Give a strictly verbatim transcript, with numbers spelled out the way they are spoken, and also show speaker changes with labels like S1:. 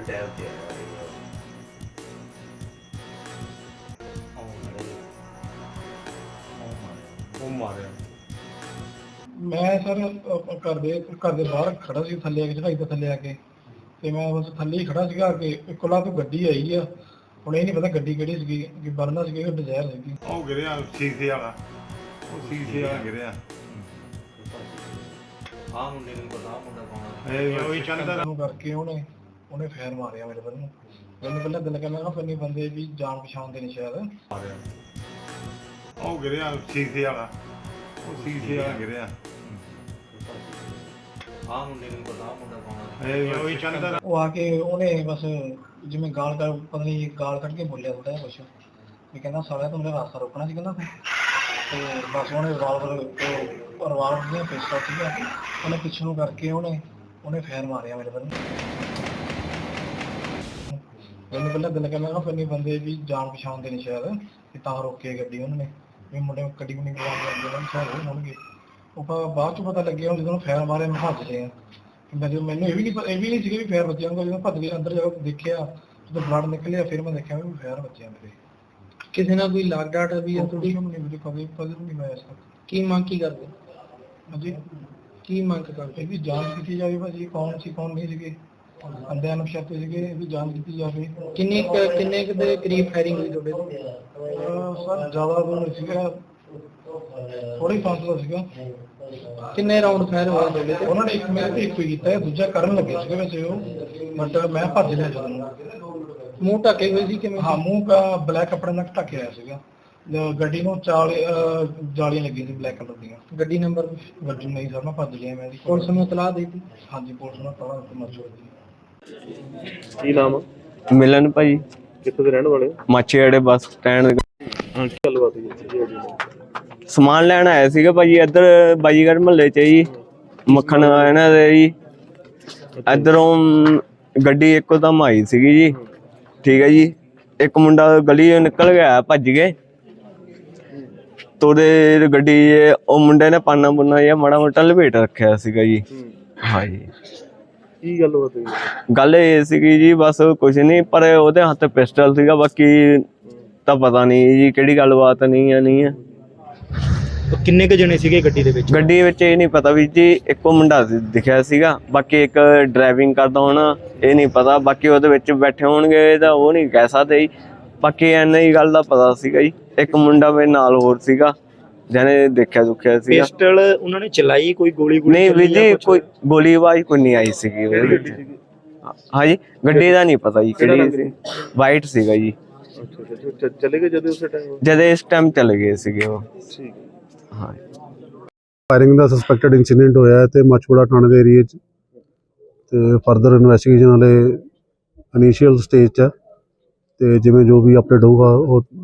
S1: Time ਤੇ ਆਇਆ ਉਹ ਮਾਰਿਆ
S2: ਮੈਂ ਸਰ ਘਰ ਦੇ ਘਰ ਦੇ ਬਾਹਰ ਖੜਾ ਸੀ, ਥੱਲੇ ਆ ਕੇ ਚੜਾਈ ਤੋਂ ਥੱਲੇ ਆ ਕੇ ਤੇ ਮੈਂ ਬਸ ਥੱਲੇ ਹੀ ਖੜਾ ਸੀਗਾ ਕਿ ਇੱਕਲਾ ਤੋਂ ਗੱਡੀ ਆਈ ਆ। ਹੁਣ ਇਹ ਨਹੀਂ ਪਤਾ ਗੱਡੀ ਕਿਹੜੀ ਸੀਗੀ, ਕਿ ਬਰਨਾ ਸੀਗੀ ਕਿ ਡਿਜ਼ਾਇਰ ਸੀਗੀ।
S3: ਉਹ ਗਿਰਿਆ ਸ਼ੀਸ਼ੇ ਵਾਲਾ, ਉਹ ਸ਼ੀਸ਼ੇ ਵਾਲਾ ਗਿਰਿਆ।
S1: ਆਹ ਮੁੰਡੇ ਨੂੰ ਪਤਾ ਮੁੰਡਾ ਕੌਣ
S3: ਇਹ ਉਹੀ ਚੰਦਰ
S2: ਨੂੰ ਕਰਕੇ ਉਹਨੇ ਉਹਨੇ ਫੇਰ ਮਾਰਿਆ ਮੇਰੇ ਵੱਲ ਨੂੰ। ਮੈਨੂੰ ਪਹਿਲਾਂ ਦਿਲ ਕਹਿੰਦਾ ਫਿਰ ਨਹੀਂ ਬੰਦੇ ਵੀ ਜਾਣ ਪਛਾਣ ਦੇ ਨਹੀਂ ਸ਼ਾਇਦ।
S3: ਮਾਰਿਆ ਉਹ ਗਿਰਿਆ ਸ਼ੀਸ਼ੇ ਵਾਲਾ, ਉਹ ਸ਼ੀਸ਼ੇ ਵਾਲਾ ਗਿਰਿਆ।
S1: ਆਹ ਮੁੰਡੇ ਨੂੰ ਪਤਾ ਮੁੰਡਾ ਕੌਣ
S3: ਇਹ ਉਹੀ ਚੰਦਰ
S2: ਉਹ ਆ ਕੇ ਉਹਨੇ ਬਸ ਜਿਵੇਂ ਗਾਲ ਕਰ ਪਤਾ ਨਹੀਂ ਗਾਲ ਕੱਢ ਕੇ ਬੋਲਿਆ ਥੋੜਾ ਕੁਛ ਵੀ ਕਹਿੰਦਾ ਸਾਲਿਆ ਤੂੰ ਮੇਰਾ ਰਾਸਤਾ ਰੋਕਣਾ ਸੀ ਕਹਿੰਦਾ ਤੇ ਬਸ ਉਹਨੇ ਰਿਵਾਲਵਰ ਰਿਵਾਲਵਰ ਦੀਆਂ ਪਿਸਤੌਲ ਸੀਗਾ, ਉਹਨੇ ਪਿੱਛੇ ਨੂੰ ਕਰਕੇ ਉਹਨੇ ਉਹਨੇ ਫੇਰ ਮਾਰਿਆ ਮੇਰੇ ਵੱਲ ਨੂੰ। ਮੈਨੂੰ ਪਹਿਲਾਂ ਦਿਲ ਕਹਿੰਦਾ ਫਿਰ ਨਹੀਂ ਬੰਦੇ ਵੀ ਜਾਣ ਪਛਾਣ ਦੇ ਨਹੀਂ ਸ਼ਾਇਦ, ਕਿ ਤਾਂ ਰੋਕੇ ਗੱਡੀ ਉਹਨਾਂ ਨੇ ਵੀ ਮੁੰਡੇ ਗੱਡੀ ਨੂੰ ਨਹੀਂ ਬੁਲਾਉਣ ਲੱਗੇ ਨਾ ਸ਼ਾਇਦ ਉਹ ਹੋਣਗੇ। ਉਹ ਬਾਅਦ ਚ ਪਤਾ ਲੱਗਿਆ ਜਦੋਂ ਫੇਰ ਮਾਰੇ ਮੈਂ ਭੱਜ ਲਿਆ। ਮੈਨੂੰ ਮੈਨੂੰ ਇਹ ਵੀ ਨਹੀਂ ਇਹ ਵੀ ਨਹੀਂ ਸੀਗਾ ਵੀ ਫੇਰ ਬੱਚਿਆਂ ਨੂੰ ਜਦੋਂ ਭੱਜ ਗਿਆ ਅੰਦਰ ਜਾ ਕੇ ਦੇਖਿਆ ਜਦੋਂ ਬਲੱਡ ਨਿਕਲਿਆ ਫਿਰ ਮੈਂ ਦੇਖਿਆ ਵੀ ਫੇਰ ਬੱਚਿਆਂ ਮੇਰੇ।
S4: ਕਿਸੇ ਨਾਲ ਕੋਈ ਲਾਗ ਡਾਟ ਵੀ ਹੈ ਤੁਹਾਡੀ?
S2: ਨਹੀਂ ਮੇਰੇ ਕਦੇ ਕਦੇ ਨਹੀਂ ਮੈਂ ਇਸ
S4: ਕੀ ਮੰਗ ਕੀ ਕਰਦੇ?
S2: ਹਾਂਜੀ
S4: ਕੀ ਮੰਗ ਕਰਦੇ?
S2: ਇਹਦੀ ਜਾਂਚ ਕੀਤੀ ਜਾਵੇ ਭਾਜੀ, ਕੌਣ ਸੀ ਕੌਣ ਨਹੀਂ ਸੀਗੇ, ਅੰਦਿਆਂ ਨੂੰ ਸ਼ੱਕ ਸੀਗੇ, ਇਹਦੀ ਜਾਂਚ ਕੀਤੀ ਜਾਵੇ।
S4: ਕਿੰਨੀ ਕੁ- ਕਿੰਨੇ ਕੁ ਦੇ ਕਰੀਬ ਫਾਇਰਿੰਗ ਹੋਈ ਤੁਹਾਡੇ ਤੋਂ?
S2: ਅਹ ਸਰ ਜ਼ਿਆਦਾ ਦੂਰ ਨਹੀਂ ਸੀਗਾ, ਥੋੜੀ ਫਾਸਲਾ ਸੀਗਾ।
S4: ਕਿੰਨੇ ਰਾਉਂਡ ਫਾਇਰ ਹੋਏ ਤੁਹਾਡੇ ਤੇ?
S2: ਉਹਨਾਂ ਨੇ ਇੱਕ ਮੇਰੇ ਤੇ ਇੱਕ ਹੀ ਕੀਤਾ, ਦੂਜਾ ਕਰਨ ਲੱਗੇ ਸੀਗੇ ਵੈਸੇ ਉਹ, ਬਟ ਮੈਂ ਭੱਜ ਲਿਆ ਜਦੋਂ।
S4: ਮੂੰਹ ਢੱਕੇ ਹੋਏ ਸੀ ਕਿਵੇਂ?
S2: ਹਾਂ ਮੂੰਹ ਦਾ ਬਲੈਕ ਕੱਪੜੇ ਨਾਲ ਢੱਕਿਆ ਹੋਇਆ ਸੀਗਾ। ਅਹ ਗੱਡੀ ਨੂੰ ਚਾਲ ਅਹ ਜਾਲੀਆਂ ਲੱਗੀਆਂ ਸੀ ਬਲੈਕ ਕਲਰ ਦੀਆਂ।
S4: ਗੱਡੀ ਨੰਬਰ?
S2: ਗੱਡੀ ਨਹੀਂ ਸਰ ਮੈਂ ਭੱਜ ਗਿਆ। ਮੈਂ
S4: ਪੁਲਿਸ ਨੂੰ ਇਤਲਾਹ ਦੇ ਦਿੱਤੀ?
S2: ਹਾਂਜੀ ਪੁਲਿਸ ਨੂੰ ਪਤਾ ਦਿੱਤੀ ਮਰਜ਼ੀ ਦੀ।
S5: ਕੀ ਨਾਮ ਆ?
S6: ਮਿਲਨ ਭਾਈ,
S5: ਕਿੱਥੋਂ ਦੇ ਰਹਿਣ ਵਾਲੇ ਹੋ?
S6: ਮਾਛੀਵਾੜੇ ਬੱਸ ਸਟੈਂਡ।
S5: ਹਾਂ ਕੀ ਗੱਲਬਾਤ ਹੋਈ ਸੀ ਜੀ?
S6: ਸਮਾਨ ਲੈਣ ਆਇਆ ਸੀਗਾ ਭਾਜੀ ਇੱਧਰ ਬਾਜੀਗਰ ਮਹੱਲੇ ਚ ਜੀ, ਮੱਖਣ ਇਹਨਾਂ ਦੇ ਜੀ। ਇੱਧਰੋਂ ਗੱਡੀ ਇੱਕੋ ਦਮ ਆਈ ਸੀਗੀ ਜੀ, ਠੀਕ ਹੈ ਜੀ। ਇੱਕ ਮੁੰਡਾ ਗਲੀ ਨਿਕਲ ਗਿਆ ਭੱਜ ਗਏ ਤੋੜੇ ਗੱਡੀ, ਉਹ ਮੁੰਡੇ ਨੇ ਪਾਨਾ ਪੁੰਨਾ ਜਾਂ ਮਾੜਾ ਮੋਟਾ ਲਪੇਟ ਰੱਖਿਆ ਸੀਗਾ ਜੀ। ਹਾਂਜੀ
S5: ਕੀ ਗੱਲਬਾਤ ਹੋਈ?
S6: ਗੱਲ ਇਹ ਸੀਗੀ ਜੀ ਬਸ ਕੁਛ ਨਹੀਂ, ਪਰ ਉਹਦੇ ਹੱਥ ਪਿਸਟਲ ਸੀਗਾ, ਬਾਕੀ ਤਾਂ ਪਤਾ ਨਹੀਂ ਜੀ ਕਿਹੜੀ ਗੱਲਬਾਤ ਨਹੀਂ ਹੈ ਨਹੀਂ ਹੈ।
S4: ਕਿੰਨੇ ਕੁ ਜਣੇ ਸੀਗੇ ਗੱਡੀ ਦੇ ਵਿੱਚ?
S6: ਗੱਡੀ ਵਿੱਚ ਇਹ ਨਹੀਂ ਪਤਾ ਵੀ ਜੀ, ਇੱਕੋ ਮੁੰਡਾ ਦਿਖਿਆ ਸੀਗਾ, ਬਾਕੀ ਇੱਕ ਡਰਾਈਵਿੰਗ ਕਰਦਾ ਹੋਣਾ ਇਹ ਨਹੀਂ ਪਤਾ, ਬਾਕੀ ਉਹਦੇ ਵਿੱਚ ਬੈਠੇ ਹੋਣਗੇ ਤਾਂ ਉਹ ਨਹੀਂ ਕਹਿ ਸਕਦੇ ਜੀ। ਬਾਕੀ ਐਨਾ ਹੀ ਗੱਲ ਦਾ ਪਤਾ ਸੀਗਾ ਜੀ, ਇੱਕ ਮੁੰਡਾ ਮੇਰੇ ਨਾਲ ਹੋਰ ਸੀਗਾ ਜਿਹਨੇ ਦੇਖਿਆ ਦੁਖਿਆ ਸੀਗਾ।
S4: ਪਿਸਟਲ ਉਹਨਾਂ ਨੇ ਚਲਾਈ? ਕੋਈ ਗੋਲੀ ਗੋਲੀ
S6: ਨਹੀਂ ਵੀਰ ਜੀ, ਕੋਈ ਗੋਲੀ ਆਵਾਜ਼ ਕੋਈ ਨਹੀਂ ਆਈ ਸੀਗੀ ਉਹਦੇ ਵਿੱਚ। ਹਾਂਜੀ ਗੱਡੀ ਦਾ ਨਹੀਂ ਪਤਾ ਜੀ ਕਿਹੜੀ ਸੀ, ਵਾਈਟ ਸੀਗਾ ਜੀ।
S5: ਅੱਛਾ ਅੱਛਾ ਚਲੇ ਗਏ ਜਦੋਂ ਉਸੇ ਟਾਈਮ?
S6: ਜਦ ਇਸ ਟਾਈਮ ਚਲੇ ਗਏ ਸੀਗੇ ਉਹ।
S5: ਠੀਕ
S6: ਹਾਂ
S7: ਫਾਇਰਿੰਗ ਦਾ ਸਸਪੈਕਟਡ ਇੰਸੀਡੈਂਟ ਹੋਇਆ ਹੈ ਤੇ ਮਾਛੀਵਾੜਾ ਥਾਣੇ ਦੇ ਏਰੀਏ 'ਚ, ਤੇ ਫਰਦਰ ਇਨਵੈਸਟੀਗੇਸ਼ਨ ਵਾਲੇ ਇਨੀਸ਼ੀਅਲ ਸਟੇਜ 'ਚ ਹੈ, ਤੇ ਜਿਵੇਂ ਜੋ ਵੀ ਅਪਡੇਟ ਹੋਊਗਾ ਉਹ